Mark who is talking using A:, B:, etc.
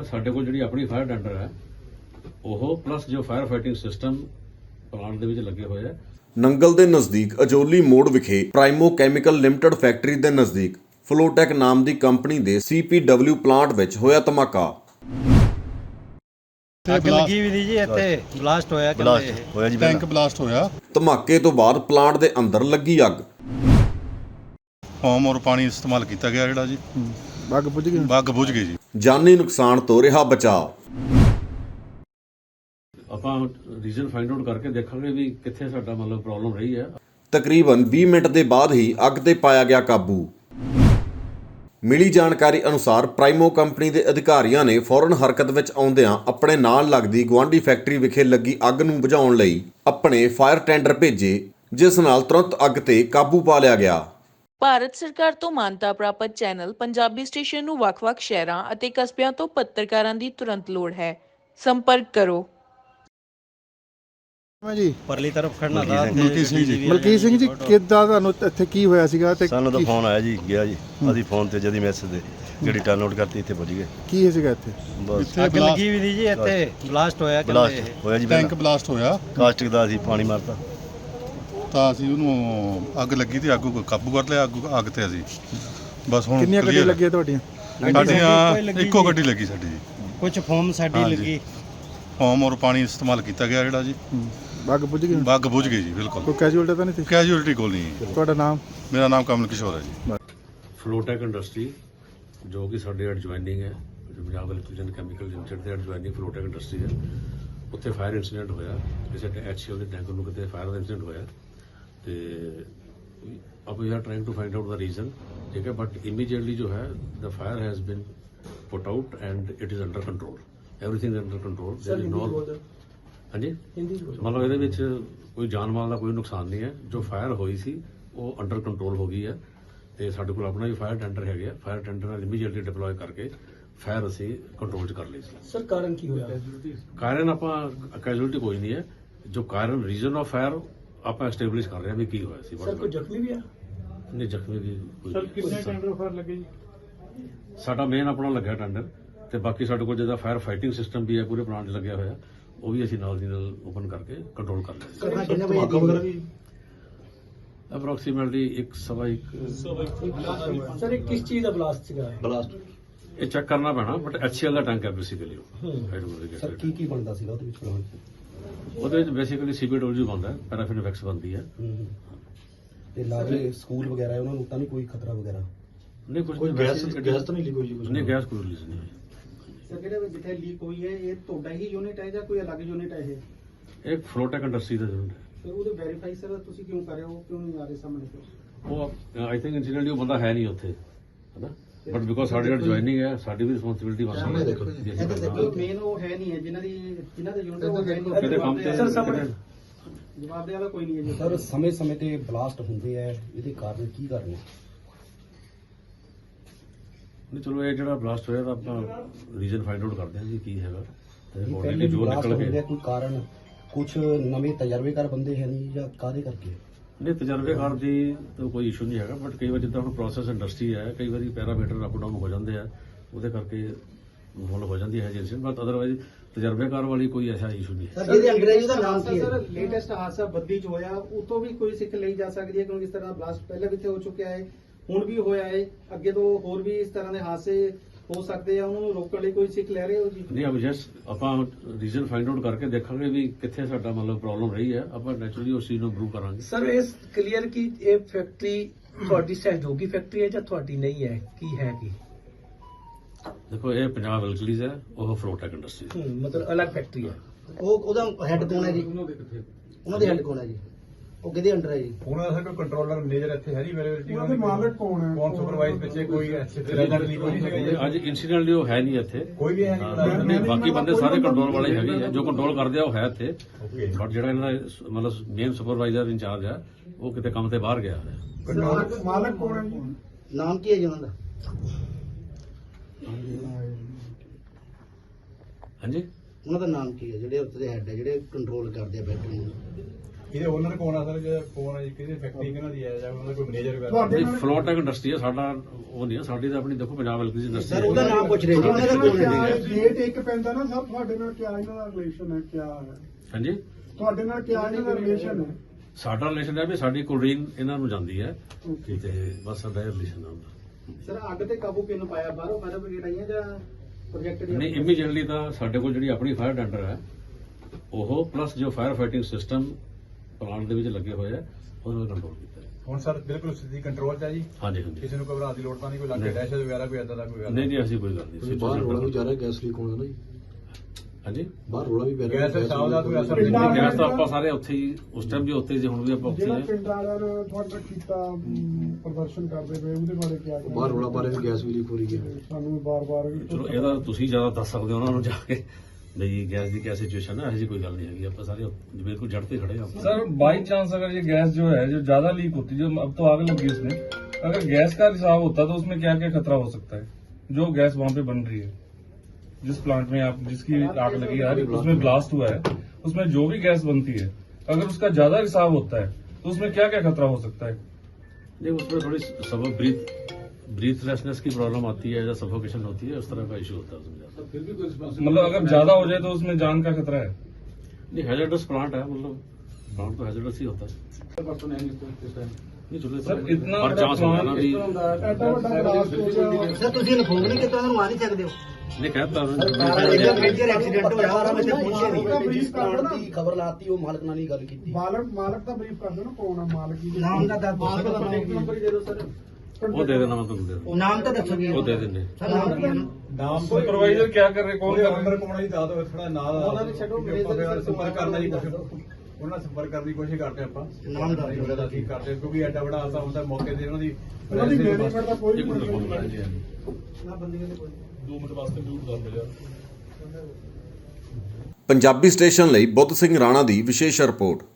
A: ਸਾਡੇ ਕੋਲ ਜਿਹੜੀ ਆਪਣੀ ਫਾਇਰ ਟੈਂਡਰ ਹੈ ਉਹ ਪਲੱਸ ਜੋ ਫਾਇਰ ਫਾਈਟਿੰਗ ਸਿਸਟਮ ਪਲਾਂਟ ਦੇ ਵਿੱਚ ਲੱਗੇ ਹੋਏ ਆ।
B: ਨੰਗਲ ਦੇ ਨਜ਼ਦੀਕ ਅਜੋਲੀ ਮੋੜ ਵਿਖੇ ਪ੍ਰਾਈਮੋ ਕੈਮੀਕਲ ਲਿਮਟਿਡ ਫੈਕਟਰੀ ਦੇ ਨਜ਼ਦੀਕ ਫਲੋਟੈਕ ਨਾਮ ਦੀ ਕੰਪਨੀ ਦੇ CPW ਪਲਾਂਟ ਵਿੱਚ ਹੋਇਆ ਧਮਾਕਾ।
C: ਅੱਗ ਲੱਗੀ ਵੀ ਜੀ ਇੱਥੇ ਬਲਾਸਟ ਹੋਇਆ
D: ਜੀ, ਟੈਂਕ ਬਲਾਸਟ ਹੋਇਆ।
B: ਧਮਾਕੇ ਤੋਂ ਬਾਅਦ ਪਲਾਂਟ ਦੇ ਅੰਦਰ ਲੱਗੀ ਅੱਗ।
D: ਫੋਮ ਔਰ ਪਾਣੀ ਇਸਤੇਮਾਲ ਕੀਤਾ ਗਿਆ ਜਿਹੜਾ ਜੀ ਅੱਗ ਬੁਝ ਗਈ ਜੀ।
B: ਜਾਨੀ ਨੁਕਸਾਨ ਤੋਂ ਰਿਹਾ ਬਚਾਅ।
A: ਆਪਾਂ ਰੀਜ਼ਨ ਫਾਈਂਡ ਆਊਟ ਕਰਕੇ ਦੇਖਾਂਗੇ ਵੀ ਕਿੱਥੇ ਸਾਡਾ ਮਤਲਬ ਪ੍ਰੋਬਲਮ ਰਹੀ ਹੈ।
B: ਤਕਰੀਬਨ 20 ਮਿੰਟ ਦੇ ਬਾਅਦ ਹੀ ਅੱਗ ਤੇ ਪਾਇਆ ਗਿਆ ਕਾਬੂ। ਮਿਲੀ ਜਾਣਕਾਰੀ ਅਨੁਸਾਰ ਪ੍ਰਾਈਮੋ ਕੰਪਨੀ ਦੇ ਅਧਿਕਾਰੀਆਂ ਨੇ ਫੌਰਨ ਹਰਕਤ ਵਿੱਚ ਆਉਂਦਿਆਂ ਆਪਣੇ ਨਾਲ ਲੱਗਦੀ ਗੁਆਂਢੀ ਫੈਕਟਰੀ ਵਿਖੇ ਲੱਗੀ ਅੱਗ ਨੂੰ ਬੁਝਾਉਣ ਲਈ ਆਪਣੇ ਫਾਇਰ ਟੈਂਡਰ ਭੇਜੇ, ਜਿਸ ਨਾਲ ਤੁਰੰਤ ਅੱਗ ਤੇ ਕਾਬੂ ਪਾ ਲਿਆ ਗਿਆ।
E: ਭਾਰਤ ਸਰਕਾਰ ਤੋਂ ਮਾਨਤਾ ਪ੍ਰਾਪਤ ਚੈਨਲ ਪੰਜਾਬੀ ਸਟੇਸ਼ਨ ਨੂੰ ਵੱਖ-ਵੱਖ ਸ਼ਹਿਰਾਂ ਅਤੇ ਕਸਬਿਆਂ ਤੋਂ ਪੱਤਰਕਾਰਾਂ ਦੀ ਤੁਰੰਤ ਲੋੜ ਹੈ। ਸੰਪਰਕ ਕਰੋ।
C: ਜੀ ਪਰਲੀ ਤਰਫ ਖੜਨਾ ਦਾ
F: ਮਲਕੀਤ ਸਿੰਘ ਜੀ, ਕਿੱਦਾਂ ਤੁਹਾਨੂੰ ਇੱਥੇ ਕੀ ਹੋਇਆ ਸੀਗਾ? ਤੇ
G: ਸਾਨੂੰ ਤਾਂ ਫੋਨ ਆਇਆ ਜੀ, ਗਿਆ ਜੀ ਅਸੀਂ ਫੋਨ ਤੇ ਜਦੀ ਮੈਸੇਜ ਦੇ ਗੱਡੀ ਟਰਨ ਆਊਟ ਕਰਤੀ, ਇੱਥੇ ਪਹੁੰਚ ਗਏ।
F: ਕੀ ਸੀਗਾ ਇੱਥੇ?
G: ਬਸ
C: ਅੱਗ ਲੱਗੀ ਵੀ ਜੀ ਇੱਥੇ ਬਲਾਸਟ ਹੋਇਆ
G: ਜੀ,
D: ਟੈਂਕ ਬਲਾਸਟ ਹੋਇਆ।
G: ਕਾਸਟਿਕ ਦਾ ਅਸੀਂ ਪਾਣੀ ਮਾਰਤਾ
D: ਤਾਂ ਅਸੀਂ ਉਹਨੂੰ ਅੱਗ ਲੱਗੀ ਤੇ ਅੱਗ ਕਾਬੂ ਕਰ ਲਿਆ। ਅੱਗ ਤੇ ਅਸੀਂ ਬਸ ਹੁਣ
F: ਕਿੰਨੀਆਂ ਗੱਡੀਆਂ ਲੱਗੀਆਂ ਤੁਹਾਡੀਆਂ?
D: ਸਾਡੀਆਂ ਇੱਕੋ ਗੱਡੀ ਲੱਗੀ ਸਾਡੀ ਜੀ।
C: ਕੁਝ ਫੋਮ ਸਾਡੀ ਲੱਗੀ।
D: ਫੋਮ ਔਰ ਪਾਣੀ ਇਸਤੇਮਾਲ ਕੀਤਾ ਗਿਆ ਜਿਹੜਾ ਜੀ
F: ਅੱਗ ਬੁਝ ਗਈ।
D: ਅੱਗ ਬੁਝ ਗਈ ਜੀ, ਬਿਲਕੁਲ।
F: ਕੋਈ ਕੈਜੂਅਲਟੀ ਤਾਂ ਨਹੀਂ ਸੀ?
D: ਕੈਜੂਅਲਟੀ ਕੋਲ ਨਹੀਂ।
F: ਤੁਹਾਡਾ ਨਾਮ?
D: ਮੇਰਾ ਨਾਮ ਕਮਲ ਕਿਸ਼ੋਰ ਹੈ ਜੀ।
A: ਫਲੋਟੈਕ ਇੰਡਸਟਰੀ ਜੋ ਕਿ ਸਾਡੇ ਐਡਜੁਆਇਨਿੰਗ ਹੈ, ਪੰਜਾਬ ਇਲੈਕਟ੍ਰੀਕਲ ਕੈਮੀਕਲ ਲਿਮਟਿਡ ਦੇ ਐਡਜੁਆਇਨਿੰਗ ਫਲੋਟੈਕ ਇੰਡਸਟਰੀ ਹੈ। ਉੱਥੇ ਫਾਇਰ ਇਨਸੀਡੈਂਟ ਹੋਇਆ, ਕਿਸੇ HCL ਦੇ ਟੈਂਕਰ ਨੂੰ ਕਿਤੇ ਫਾਇਰ ਦਾ ਇਨਸੀਡੈਂਟ ਹੋਇਆ ਤੇ ਆਪਾਂ ਵੀ are trying to find out ਦਾ ਰੀਜ਼ਨ, ਠੀਕ ਹੈ। ਬਟ ਇਮੀਡੀਏਟਲੀ ਜੋ ਹੈ the fire has been put out and it is under control. Everything is under control. There is no ਹਾਂਜੀ ਮਤਲਬ ਇਹਦੇ ਵਿੱਚ ਕੋਈ ਜਾਨ ਮਾਲ ਦਾ ਕੋਈ ਨੁਕਸਾਨ ਨਹੀਂ ਹੈ। ਜੋ ਫਾਇਰ ਹੋਈ ਸੀ ਉਹ ਅੰਡਰ ਕੰਟਰੋਲ ਹੋ ਗਈ ਹੈ ਤੇ ਸਾਡੇ ਕੋਲ ਆਪਣਾ ਵੀ ਫਾਇਰ ਟੈਂਡਰ ਹੈਗੇ ਆ। ਫਾਇਰ ਟੈਂਡਰ ਨਾਲ ਇਮੀਡੀਏਟਲੀ ਡਿਪਲੋਏ ਕਰਕੇ ਫਾਇਰ ਅਸੀਂ ਕੰਟਰੋਲ 'ਚ ਕਰ ਲਈ ਸੀ।
H: ਸਰ ਕਾਰਨ ਕੀ ਹੋਇਆ?
A: ਕਾਰਨ ਆਪਾਂ ਕੈਜੂਅਲਟੀ ਕੋਈ ਨਹੀਂ ਹੈ। ਜੋ ਕਾਰਨ ਰੀਜ਼ਨ ਆਫ ਫਾਇਰ ਆਪਾਂ ਐਸਟੈਬਲਿਸ਼ ਕਰ ਰਹੇ ਹਾਂ ਵੀ ਕੀ ਹੋਇਆ ਸੀ।
H: ਸਰ ਕੋਈ ਜ਼ਖਮੀ ਵੀ ਆ?
A: ਨਹੀਂ, ਜ਼ਖਮੀ ਵੀ ਕੋਈ।
F: ਸਰ ਕਿੰਨੇ ਟੈਂਡਰ ਫਾਇਰ ਲੱਗੇ ਜੀ?
A: ਸਾਡਾ ਮੇਨ ਆਪਣਾ ਲੱਗਿਆ ਟੈਂਡਰ ਤੇ ਬਾਕੀ ਸਾਡੇ ਕੋਲ ਜਿਹਦਾ ਫਾਇਰ ਫਾਈਟਿੰਗ ਸਿਸਟਮ ਵੀ ਹੈ ਪੂਰੇ ਪਲਾਂਟ 'ਚ ਲੱਗਿਆ ਹੋਇਆ, ਉਹ ਵੀ ਅਸੀਂ ਨਾਲ ਦੀ ਨਾਲ ਓਪਨ ਕਰਕੇ ਕੰਟਰੋਲ ਕਰ ਲਿਆ।
H: ਕਰਨਾ ਕਿੰਨੇ ਵਜੇ ਦੀ?
A: ਅਪਰੋਕਸੀਮੇਟਲੀ 1:15।
H: ਸਰ ਇਹ ਕਿਸ ਚੀਜ਼ ਦਾ ਬਲਾਸਟ ਸੀਗਾ?
A: ਇਹ ਚੈੱਕ ਕਰਨਾ ਪੈਣਾ, ਬਟ HCL ਦਾ ਟੈਂਕ ਹੈ ਬੇਸਿਕਲੀ।
H: ਸਰ ਕੀ ਬਣਦਾ ਸੀਗਾ ਉਹਦੇ ਵਿੱਚ ਪਲਾਂਟ 'ਚ?
A: ਉਹਦੇ ਵਿੱਚ ਬੇਸਿਕਲੀ CPW ਬਣਦਾ ਹੈ, ਪੈਰਾਫਿਨ ਵੈਕਸ ਬਣਦੀ ਹੈ।
H: ਤੇ ਲਾਗੇ ਸਕੂਲ ਵਗੈਰਾ ਹੈ, ਉਹਨਾਂ ਨੂੰ ਤਾਂ ਨਹੀਂ ਕੋਈ ਖਤਰਾ ਵਗੈਰਾ?
A: ਨਹੀਂ, ਕੁਝ
H: ਗੈਸ ਤਾਂ ਨਹੀਂ ਲੀਕ ਹੋਈ ਜੀ?
A: ਨਹੀਂ, ਗੈਸ ਕੋਈ ਰਿਲੀਜ਼ ਨਹੀਂ ਹੋਈ।
I: ਸਰ ਜਿਹੜੇ ਜਿੱਥੇ ਲੀਕ ਹੋਈ ਹੈ ਇਹ ਤੁਹਾਡਾ ਹੀ ਯੂਨਿਟ ਹੈ ਜਾਂ ਕੋਈ ਅਲੱਗ ਯੂਨਿਟ ਹੈ ਇਹ?
A: ਇਹ ਫਲੋਟੈਕ ਇੰਡਸਟਰੀ ਦਾ ਯੂਨਿਟ ਹੈ।
I: ਫਿਰ ਉਹਦੇ ਵੈਰੀਫਾਈ ਸਰ ਤੁਸੀਂ ਕਿਉਂ ਕਰ ਰਹੇ ਹੋ, ਕਿਉਂ ਨਹੀਂ ਆ ਰਹੇ ਸਾਹਮਣੇ?
A: ਉਹ ਆਈ ਥਿੰਕ ਇਨਸੀਡੈਂਟਲੀ ਉਹ ਬੰਦਾ ਹੈ ਨਹੀਂ ਉੱਥੇ, ਹੈਨਾ। ਬਟ ਬਿਕੋਜ਼ ਸਾਡੇ ਨਾਲ ਜੁਆਇਨਿੰਗ ਹੈ, ਸਾਡੀ ਵੀ ਰਿਸਪੌਂਸਿਬਿਲਿਟੀ ਬਣਦੀ ਹੈ।
I: ਮੇਨ ਉਹ ਹੈ ਨਹੀਂ ਹੈ ਜਿਨ੍ਹਾਂ ਦੇ ਯੂਨਿਟ ਉਹ ਹੈ ਨਹੀਂ।
A: ਕਿਤੇ ਕੰਮ ਤੇ
I: ਜਵਾਬ ਦੇ ਵਾਲਾ ਕੋਈ ਨਹੀਂ ਹੈ ਜੀ।
H: ਸਰ ਸਮੇਂ-ਸਮੇਂ ਤੇ ਬਲਾਸਟ ਹੁੰਦੇ ਆ, ਇਹਦੇ ਕਾਰਨ ਕੀ ਕਾਰਨ ਹੈ?
A: ਨਹੀਂ, ਚਲੋ ਇਹ ਜਿਹੜਾ ਬਲਾਸਟ ਹੋਇਆ ਤਾਂ ਆਪਾਂ ਰੀਜ਼ਨ ਫਾਈਂਡ ਆਊਟ ਕਰਦੇ ਹਾਂ ਜੀ ਕੀ ਹੈਗਾ। ਤੇ
H: ਪਹਿਲੇ
A: ਜੋ ਨਿਕਲ ਕੇ
H: ਕੋਈ ਕਾਰਨ ਕੁਝ ਨਵੇਂ ਤਜਰਬੇਕਾਰ ਬੰਦੇ ਹੈ ਨਹੀਂ ਜਾਂ ਕਾਹਦੇ ਕਰਕੇ?
A: ਨਹੀਂ, ਤਜਰਬੇਕਾਰ ਦੀ ਤਾਂ ਕੋਈ ਇਸ਼ੂ ਨਹੀਂ ਹੈਗਾ, ਬਟ ਕਈ ਵਾਰ ਜਿੱਦਾਂ ਹੁਣ ਪ੍ਰੋਸੈਸ ਇੰਡਸਟਰੀ ਹੈ, ਕਈ ਵਾਰੀ ਪੈਰਾਮੀਟਰ ਅਪ ਡਾਊਨ ਹੋ ਜਾਂਦੇ ਆ, ਉਹਦੇ ਕਰਕੇ ਮੁੱਲ ਹੋ ਜਾਂਦੀ ਹੈ ਏਜੰਸੀ। ਬਟ ਅਦਰਵਾਈਜ਼ ਤਜਰਬੇਕਾਰ ਵਾਲੀ ਕੋਈ ਐਸਾ ਇਸ਼ੂ ਨਹੀਂ ਹੈ।
H: ਸਰ ਜਿਹਦੇ ਅੰਗਰੇਜ਼ੀ ਦਾ ਨਾਮ ਕੀ ਹੈ?
I: ਸਰ ਲੇਟੈਸਟ ਹਾਦਸਾ ਬੱਦੀ 'ਚ ਹੋਇਆ, ਉਹ ਤੋਂ ਵੀ ਕੋਈ ਸਿੱਖ ਲਈ ਜਾ ਸਕਦੀ ਹੈ ਕਿਉਂਕਿ ਇਸ ਤਰ੍ਹਾਂ ਬਲਾਸਟ ਪਹਿਲਾਂ ਵੀ ਇੱਥੇ ਹੋ ਚੁੱਕਿਆ ਹੈ, ਹੁਣ ਵੀ ਹੋਇਆ ਹੈ, ਅੱਗੇ ਤੋਂ ਹੋਰ ਵੀ ਇਸ ਤਰ੍ਹਾਂ ਦੇ ਹਾਦਸੇ ਹੋ ਸਕਦੇ ਆ, ਉਹਨਾਂ ਨੂੰ ਰੋਕਣ ਲਈ ਕੋਈ ਸਿੱਖ ਲੈ ਰਹੇ ਹੋ ਜੀ?
A: ਨਹੀਂ, ਆਪਾਂ ਰੀਜ਼ਨ ਫਾਈਂਡ ਆਊਟ ਕਰਕੇ ਦੇਖਾਂਗੇ ਵੀ ਕਿੱਥੇ ਸਾਡਾ ਮਤਲਬ ਪ੍ਰੋਬਲਮ ਰਹੀ ਹੈ। ਆਪਾਂ ਨੈਚੁਰਲੀ ਉਸ ਚੀਜ਼ ਨੂੰ ਇੰਪਰੂਵ ਕਰਾਂਗੇ।
H: ਸਰ ਇਸ ਕਲੀਅਰ ਕੀ ਇਹ ਫੈਕਟਰੀ ਤੁਹਾਡੀ ਸਹਿਯੋਗੀ ਫੈਕਟਰੀ ਹੈ ਜਾਂ ਤੁਹਾਡੀ ਨਹੀਂ ਹੈ, ਕੀ ਹੈ ਕੀ?
A: ਦੇਖੋ, ਇਹ ਪੰਜਾਬ ਇਲਕਲੀਜ਼ ਹੈ, ਉਹ ਫਲੋਟੈਕ ਇੰਡਸਟਰੀ ਹੈ।
H: ਮਤਲਬ ਅਲੱਗ ਫੈਕਟਰੀ ਹੈ। ਉਹਦਾ ਹੈੱਡ ਕੌਣ ਹੈ ਜੀ? ਉਹਨਾਂ ਦੇ ਹੈੱਡ ਕੌਣ ਹੈ ਜੀ? ਉਹ ਕਿਹਦੇ ਅੰਡਰ ਹੈ ਜੀ?
J: ਉਹਨਾਂ ਦਾ ਕੋਈ ਕੰਟਰੋਲਰ ਮੈਨੇਜਰ ਇੱਥੇ ਹੈ ਨਹੀਂ ਅਵੇਲੇਬਿਲਟੀ?
F: ਉਹਨਾਂ ਦੇ ਮਾਲਕ ਕੌਣ ਹੈ?
J: ਕੌਣ ਸੁਪਰਵਾਈਜ਼ ਪਿੱਛੇ ਕੋਈ
A: ਅੱਜ ਇਨਸੀਡੈਂਟਲੀ ਉਹ ਹੈ ਨਹੀਂ ਇੱਥੇ,
J: ਕੋਈ ਵੀ ਹੈ
A: ਨਹੀਂ। ਬਾਕੀ ਬੰਦੇ ਸਾਰੇ ਕੰਟਰੋਲ ਵਾਲੇ ਹੈਗੇ ਆ, ਜੋ ਕੰਟਰੋਲ ਕਰਦੇ ਆ ਉਹ ਹੈ ਇੱਥੇ। ਬਟ ਜਿਹੜਾ ਇਹਨਾਂ ਦਾ ਮਤਲਬ ਮੇਨ ਸੁਪਰਵਾਈਜ਼ਰ ਇੰਚਾਰਜ ਆ, ਉਹ ਕਿਤੇ ਕੰਮ ਤੇ ਬਾਹਰ ਗਿਆ ਹੋਇਆ।
F: ਮਾਲਕ ਕੌਣ ਹੈ ਜੀ?
H: ਨਾਮ ਕੀ ਹੈ ਜੀ ਉਹਨਾਂ ਦਾ?
A: ਹਾਂਜੀ,
H: ਉਹਨਾਂ ਦਾ ਨਾਮ ਕੀ ਹੈ ਜਿਹੜੇ ਉੱਤੇ ਦੇ ਹੈੱਡ ਹੈ, ਜਿਹੜੇ ਕੰਟਰੋਲ ਕਰਦੇ ਆ ਫੈਕਟਰੀ ਨੂੰ?
J: ਇਹਦੇ ਓਨਰ ਕੌਣ ਆ ਸਰ, ਜਿਹੜਾ ਕੌਣ ਹੈ ਜੀ, ਕਿਹਦੀ ਫੈਕਟਰੀ ਕਿਹਨਾਂ ਦੀ ਹੈ, ਜਾਂ ਉਹਨਾਂ ਦਾ ਕੋਈ ਮੈਨੇਜਰ ਵਗੈਰਾ?
F: ਤੁਹਾਡੇ
A: ਨਹੀਂ, ਫਲੋਟੈਕ ਇੰਡਸਟਰੀ ਹੈ ਸਾਡਾ, ਉਹ ਨਹੀਂ ਹੈ ਸਾਡੀ ਤਾਂ ਆਪਣੀ। ਦੇਖੋ ਪੰਜਾਬ ਇਲੈਕਟ੍ਰਿਸਿਟੀ ਇੰਡਸਟਰੀ
H: ਸਰ ਉਹਦਾ ਨਾਮ ਪੁੱਛ ਰਹੇ ਜੀ, ਉਹਨਾਂ ਦਾ ਕੌਣ ਹੈ ਜੀ?
F: ਗੇਟ ਇੱਕ ਪੈਂਦਾ ਨਾ ਸਰ, ਤੁਹਾਡੇ ਨਾਲ ਕਿਆ ਇਹਨਾਂ ਦਾ ਰਿਲੇਸ਼ਨ ਹੈ, ਕਿਆ ਹੈ
A: ਹਾਂਜੀ।
F: ਤੁਹਾਡੇ ਨਾਲ ਕਿਆ ਇਹਨਾਂ ਦਾ ਰਿਲੇਸ਼ਨ ਹੈ?
A: ਸਾਡਾ ਰਿਲੇਸ਼ਨ ਹੈ ਵੀ ਸਾਡੀ ਕੋਲਡ੍ਰਿੰਕ ਇਹਨਾਂ ਨੂੰ ਜਾਂਦੀ ਹੈ ਤੇ ਬਸ ਸਾਡਾ ਰਿਲੇਸ਼ਨ ਹੈ ਉਹਦਾ।
I: ਸਰ ਅੱਗ ਤੇ ਕਾਬੂ ਕਿਹਨੂੰ ਪਾਇਆ, ਬਾਹਰੋਂ ਫਾਇਰ ਬ੍ਰਿਗੇਡ ਆਈਆਂ ਜਾਂ ਪ੍ਰੋਜੈਕਟ ਦੀ?
A: ਨਹੀਂ, ਇਮੀਡੀਏਟਲੀ ਤਾਂ ਸਾਡੇ ਕੋਲ ਜਿਹੜੀ ਆਪਣੀ ਫਾਇਰ ਟੈਂਡਰ ਹੈ ਉਹ ਪਲੱਸ ਜੋ ਫਾਇਰ ਫਾਈਟਿੰਗ ਸਿਸਟਮ ਪਲਾਂਟ ਦੇ ਵਿੱਚ ਲੱਗੇ ਹੋਏ ਆ ਉਹਨੂੰ ਕੰਟਰੋਲ ਕੀਤਾ ਹੈ।
J: ਹੁਣ ਸਰ ਬਿਲਕੁਲ ਸਥਿਤੀ ਕੰਟਰੋਲ 'ਚ ਆ ਜੀ,
A: ਹਾਂਜੀ ਹਾਂਜੀ।
J: ਕਿਸੇ ਨੂੰ ਘਬਰਾਉਣ ਦੀ ਲੋੜ ਤਾਂ ਨਹੀਂ, ਕੋਈ ਲੱਗੇ
A: ਨਹੀਂ।
J: ਦਹਿਸ਼ਤ ਵਗੈਰਾ ਕੋਈ ਏਦਾਂ ਦਾ ਕੋਈ ਗੱਲ
A: ਨਹੀਂ ਜੀ, ਐਸੀ ਕੋਈ ਗੱਲ ਨਹੀਂ। ਬਾਹਰ ਰੋਲਾ ਵੀ ਜਾ ਰਿਹਾ,
J: ਗੈਸ ਲੀਕ ਹੋਣਾ ਨਾ ਜੀ,
A: ਹਾਂਜੀ।
J: ਬਾਹਰ ਰੋਲਾ ਵੀ ਪੈ ਰਿਹਾ, ਗੈਸ ਸਾਹ ਦਾ ਕੋਈ ਅਸਰ
F: ਪਿੰਡਾਂ
J: ਨਹੀਂ।
A: ਗੈਸ ਤਾਂ ਆਪਾਂ ਸਾਰੇ ਉੱਥੇ ਹੀ, ਉਸ ਟਾਈਮ ਵੀ ਉੱਥੇ ਹੀ ਸੀ, ਹੁਣ ਵੀ ਆਪਾਂ ਉੱਥੇ ਹੀ
F: ਜਿਹੜਾ
A: ਹਾਂ।
F: ਪਿੰਡ ਵਾਲਿਆਂ ਨੇ ਤੁਹਾਡਾ ਕੀਤਾ ਪ੍ਰਦਰਸ਼ਨ ਕਰਦੇ ਪਏ, ਉਹਦੇ ਬਾਰੇ ਕਿਆ ਕਹਿਣਾ?
J: ਬਾਹਰ ਰੋਲਾ ਪਾ ਰਹੇ ਵੀ ਗੈਸ ਵੀ ਲੀਕ ਹੋ ਰਹੀ ਹੈ।
F: ਸਾਨੂੰ ਬਾਰ-ਬਾਰ
A: ਚਲੋ ਇਹਦਾ ਤੁਸੀਂ ਜ਼ਿਆਦਾ ਦੱਸ ਸਕਦੇ ਹੋ ਉਹਨਾਂ ਨੂੰ ਜਾ ਕੇ ਬਈ ਗੈਸ ਦੀ ਕਿਆ ਸਿਚੁਏਸ਼ਨ ਹੈ। ਇਹੋ ਕੋਈ ਗੱਲ ਨਹੀਂ ਹੈਗੀ, ਆਪਾਂ ਸਾਰੇ ਬਿਲकुल जड़ पे खड़े हैं।
K: सर बाई चांस अगर ये गैस जो है जो ज्यादा लीक होती है, जो अब तो आग लगी उसमें, अगर गैस का रिसाव होता तो उसमें क्या क्या खतरा हो सकता है? जो गैस वहां पे बन रही है, जिस प्लांट में आप जिसकी आग लगी है, उसमें ब्लास्ट हुआ है, उसमें जो भी गैस बनती है, अगर उसका ज्यादा रिसाव होता है तो उसमें क्या क्या खतरा हो सकता है?
A: नहीं, उसमें थोड़ी सब ब्रीथलेसनेस की प्रॉब्लम आती है या सफोकेशन होती है, उस तरह का इशू होता है उसमें।
K: मतलब अगर ज्यादा हो जाए तो उसमें जान का खतरा है?
A: नहीं, हैजर्डस प्लांट है, मतलब प्लांट तो हैजर्डस ही होता है। नहीं चलो
K: सर, इतना
A: पर
K: बड़ा
A: चांस होगा ना भी।
F: ਐਡਾ ਵੱਡਾ ਬਲਾਸਟ ਹੋ ਗਿਆ।
H: ਸਰ ਤੁਸੀਂ ਇਨਫੋਰਮ ਨਹੀਂ ਕੀਤਾ, ਉਹਨਾਂ ਨੂੰ ਆ ਨਹੀਂ ਸਕਦੇ ਹੋ?
A: नहीं कहता
H: ਮੇਜਰ ਐਕਸੀਡੈਂਟ ਹੋਇਆ ਔਰ ਮੈਂ ਪਹੁੰਚਿਆ
F: ਮਾਲਕ
H: ਨਹੀਂ, ਪਲਾਂਟ ਦੀ ਖਬਰ ਲਾਤੀ, ਉਹ ਮਾਲਕ ਨਾਲ ਨਹੀਂ ਗੱਲ ਕੀਤੀ।
F: ਮਾਲਕ ਦਾ ਬਰੀਫ ਕਰ ਦਿਓ ਨਾ, ਕੌਣ ਆ ਮਾਲਕ ਜੀ?
H: ਨਾਮ ਦਾ ਦੱਸ
I: ਮਾਲਕ ਦਾ
H: ਦਿਓ।
I: ਨੰਬਰ ਹੀ ਦੇ ਦਿਓ ਸਰ।
A: वो दे देना, मैं तुम दे दूँ,
H: ਨਾਮ ਤਾਂ ਦੱਸੋ ਜੀ।
A: वो दे देंगे।
H: ਸਰ ਨਾਮ ਕੀ ਹੈ ਨਾ?
J: ਨਾਮ
K: सुपरवाइजर क्या कर रहे, कौन
J: ਉਹਦੇ
K: कर रहे?
J: ਓਨਰ ਕੌਣ ਹੈ ਜੀ, ਦੱਸ ਦਿਓ ਥੋੜਾ ਨਾਲ।
I: ਉਹਨਾਂ ਨੇ ਛੱਡੋ, ਮੇਰੇ ਨਾਲ
J: ਸੰਪਰਕ ਕਰਨਾ ਜੀ, ਕੁਛ ਉਹਨਾਂ ਨਾਲ ਸੰਪਰਕ ਕਰਨ ਦੀ ਕੋਸ਼ਿਸ਼ ਕਰਦੇ ਆਪਾਂ।
H: ਨਾਮ ਦੱਸ ਦਿਓ।
J: ਉਹਦਾ ਕੀ ਕਰਦੇ, ਕਿਉਂਕਿ ਐਡਾ ਵੱਡਾ ਹਾਦਸਾ ਹੁੰਦਾ, ਮੌਕੇ ਤੇ ਉਹਨਾਂ ਦੀ
F: ਉਹਨਾਂ ਦੀ ਮੈਨੇਜਮੈਂਟ ਦਾ ਕੋਈ
A: एक मिनट
F: ਮਤਲਬ
A: फोन
F: ਨਹੀਂ।
A: करेंगे अभी।
I: ਨਾ ਬੰਦੀਆਂ ਦੇ ਕੋਈ।
K: 2 मिनट वास्ते म्यूट कर दे यार।
B: ਪੰਜਾਬੀ ਸਟੇਸ਼ਨ ਲਈ ਬੁੱਧ ਸਿੰਘ ਰਾਣਾ ਦੀ ਵਿਸ਼ੇਸ਼ ਰਿਪੋਰਟ।